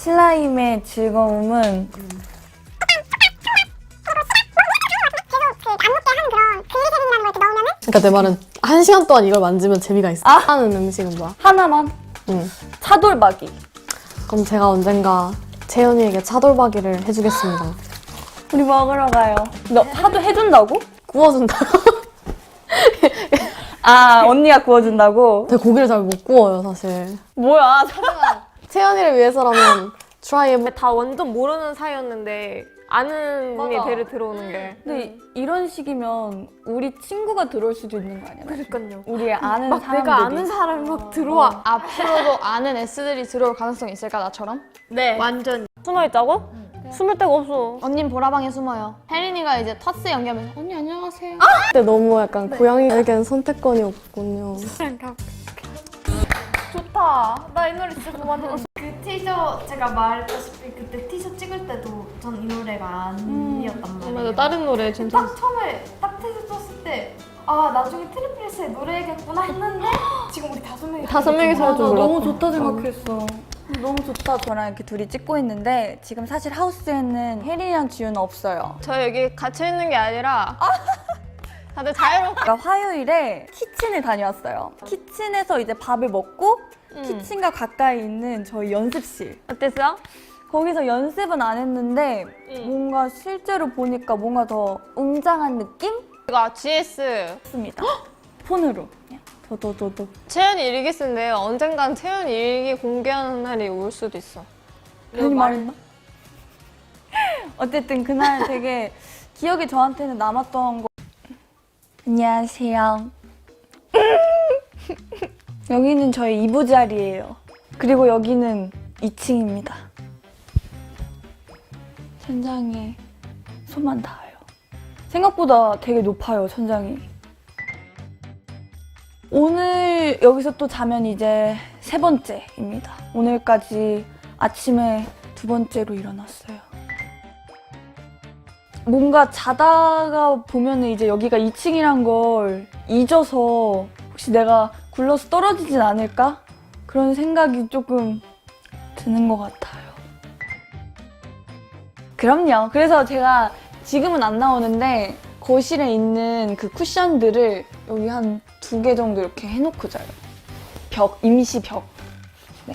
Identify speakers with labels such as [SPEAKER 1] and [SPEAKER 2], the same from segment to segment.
[SPEAKER 1] 슬라임의 즐거움은
[SPEAKER 2] 그러니까 내 말은 1시간 동안 이걸 만지면 재미가 있어. 하는 음식은 뭐야?
[SPEAKER 1] 하나만
[SPEAKER 2] 응.
[SPEAKER 1] 차돌박이.
[SPEAKER 2] 그럼 제가 언젠가 채연이에게 차돌박이를 해주겠습니다.
[SPEAKER 1] 우리 먹으러 가요. 너 하도 해준다고?
[SPEAKER 2] 구워준다.
[SPEAKER 1] 아, 언니가 구워준다고?
[SPEAKER 2] 제가 고기를 잘 못 구워요, 사실.
[SPEAKER 1] 뭐야?
[SPEAKER 2] 채연이를 위해서라면 트라이 해보.
[SPEAKER 3] 다 완전 모르는 사이였는데 아는 분이
[SPEAKER 1] 맞아.
[SPEAKER 3] 배를 들어오는 게.
[SPEAKER 1] 근데 이런 식이면 우리 친구가 들어올 수도 있는 거 아니야?
[SPEAKER 3] 그러니까요.
[SPEAKER 1] 우리 아는
[SPEAKER 3] 막
[SPEAKER 1] 사람들이.
[SPEAKER 3] 내가 아는 사람이 막 들어와.
[SPEAKER 4] 앞으로도 아는 S들이 들어올 가능성이 있을까, 나처럼?
[SPEAKER 3] 네. 완전. 숨어 있다고? 숨을 데가 없어.
[SPEAKER 4] 언닌 보라방에 숨어요. 혜린이가 이제 터스 연기하면서 언니 안녕하세요.
[SPEAKER 2] 그때 너무 약간 고양이에겐 선택권이 없군요.
[SPEAKER 3] 좋다. 나 이 노래 진짜 좋아하는
[SPEAKER 5] 그 티셔츠 제가 말했다시피 그때 티셔츠 찍을 때도 전 이 노래가 아니었단 말이에요.
[SPEAKER 3] 맞아, 다른 노래 진짜.
[SPEAKER 5] 딱 처음에 딱 티셔츠 썼을 때 아 나중에 트리플스의 노래겠구나 했는데 지금 우리 5명이
[SPEAKER 3] 5명이서
[SPEAKER 1] 맞아,
[SPEAKER 3] 좀
[SPEAKER 1] 너무 좋다 생각했어. 너무 좋다. 저랑 이렇게 둘이 찍고 있는데 지금 사실 하우스에는 혜린이랑 지우는 없어요.
[SPEAKER 3] 저 여기 갇혀 있는 게 아니라 다들 자유롭게.
[SPEAKER 1] 제가 화요일에 키친을 다녀왔어요. 키친에서 이제 밥을 먹고 키친과 가까이 있는 저희 연습실.
[SPEAKER 3] 어땠어?
[SPEAKER 1] 거기서 연습은 안 했는데 뭔가 실제로 보니까 뭔가 더 웅장한 느낌?
[SPEAKER 3] 이거 GS
[SPEAKER 1] 습니다. 폰으로. 더더더더.
[SPEAKER 3] 채연이 일기 쓴데 언젠간 채연이 일기 공개하는 날이 올 수도 있어.
[SPEAKER 1] 괜히 말했나? 어쨌든 그날 되게 기억이 저한테는 남았던 거. 안녕하세요. 여기는 저희 이부자리예요. 그리고 여기는 2층입니다. 천장에 손만 닿아요. 생각보다 되게 높아요, 천장이. 오늘 여기서 또 자면 이제 3번째입니다. 오늘까지 아침에 2번째로 일어났어요. 뭔가 자다가 보면은 이제 여기가 2층이란 걸 잊어서 혹시 내가 굴러서 떨어지진 않을까? 그런 생각이 조금 드는 것 같아요. 그럼요. 그래서 제가 지금은 안 나오는데 거실에 있는 그 쿠션들을 여기 한 2개 정도 이렇게 해놓고 자요. 벽, 임시 벽. 네.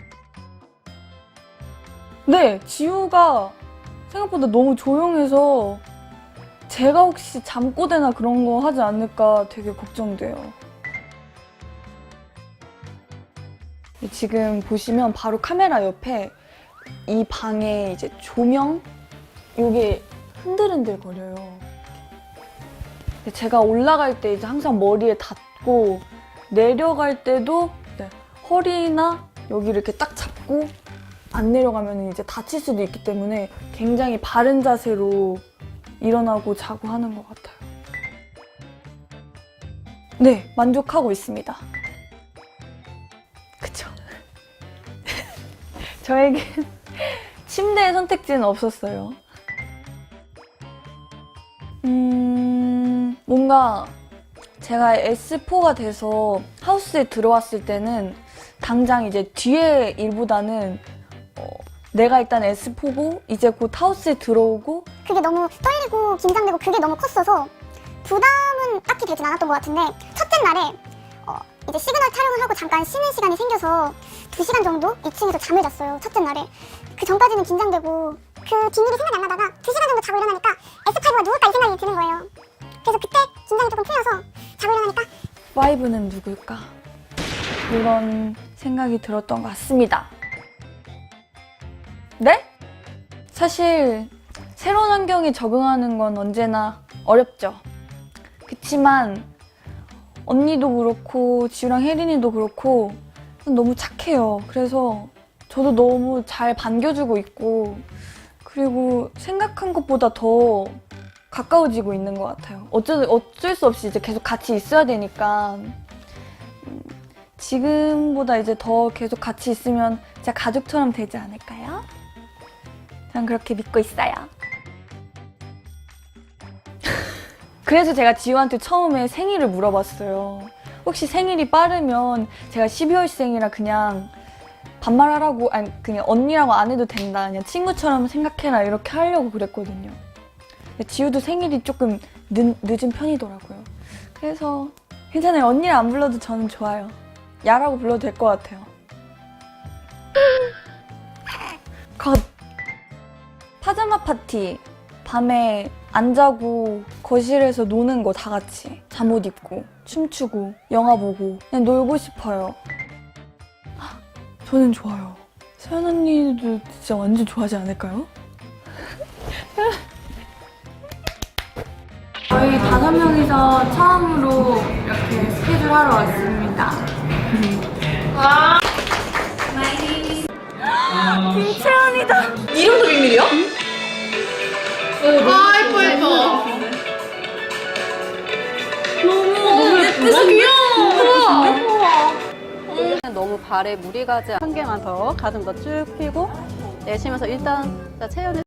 [SPEAKER 1] 네, 지우가 생각보다 너무 조용해서 제가 혹시 잠꼬대나 그런 거 하지 않을까 되게 걱정돼요. 지금 보시면 바로 카메라 옆에 이 방에 이제 조명? 요게 흔들흔들 거려요. 제가 올라갈 때 이제 항상 머리에 닿고 내려갈 때도 네, 허리나 여기 이렇게 딱 잡고 안 내려가면 이제 다칠 수도 있기 때문에 굉장히 바른 자세로 일어나고 자고 하는 것 같아요. 네, 만족하고 있습니다. 그쵸? 저에게 침대의 선택지는 없었어요. 뭔가 제가 S4가 돼서 하우스에 들어왔을 때는 당장 이제 뒤에 일보다는 내가 일단 S4고 이제 곧 하우스에 들어오고
[SPEAKER 6] 그게 너무 떨리고 긴장되고 그게 너무 컸어서 부담은 딱히 되진 않았던 것 같은데 첫째 날에 이제 시그널 촬영을 하고 잠깐 쉬는 시간이 생겨서 2시간 정도 2층에서 잠을 잤어요. 첫째 날에. 그 전까지는 긴장되고 그 뒷일이 생각이 안 나다가 2시간 정도 자고 일어나니까 S5가 누굴까 이 생각이 드는 거예요. 그래서 그때 긴장이 조금 풀려서 자고 일어나니까
[SPEAKER 1] 5는 누굴까? 이런 생각이 들었던 것 같습니다. 네? 사실 새로운 환경에 적응하는 건 언제나 어렵죠. 그치만 언니도 그렇고 지우랑 혜린이도 그렇고 너무 착해요. 그래서 저도 너무 잘 반겨주고 있고 그리고 생각한 것보다 더 가까워지고 있는 것 같아요. 어쩔 수 없이 이제 계속 같이 있어야 되니까 지금보다 이제 더 계속 같이 있으면 진짜 가족처럼 되지 않을까요? 전 그렇게 믿고 있어요. 그래서 제가 지우한테 처음에 생일을 물어봤어요. 혹시 생일이 빠르면 제가 12월생이라 그냥 반말하라고, 아니 그냥 언니라고 안 해도 된다, 그냥 친구처럼 생각해라 이렇게 하려고 그랬거든요. 근데 지우도 생일이 조금 늦은 편이더라고요. 그래서 괜찮아요. 언니를 안 불러도 저는 좋아요. 야라고 불러도 될 것 같아요. 컷. 파자마 파티. 밤에 안 자고 거실에서 노는 거 다 같이. 잠옷 입고 춤추고 영화 보고 그냥 놀고 싶어요. 저는 좋아요. 서연 언니도 진짜 완전 좋아하지 않을까요? 저희 5명이서 처음으로 이렇게 스케줄 하러 왔습니다. 김채연이다.
[SPEAKER 3] 이름도 비밀이야?
[SPEAKER 7] 너무 발에 무리 가지 않게 한 개만 더 가슴 더 쭉 펴고 내쉬면서 일단 자 채연이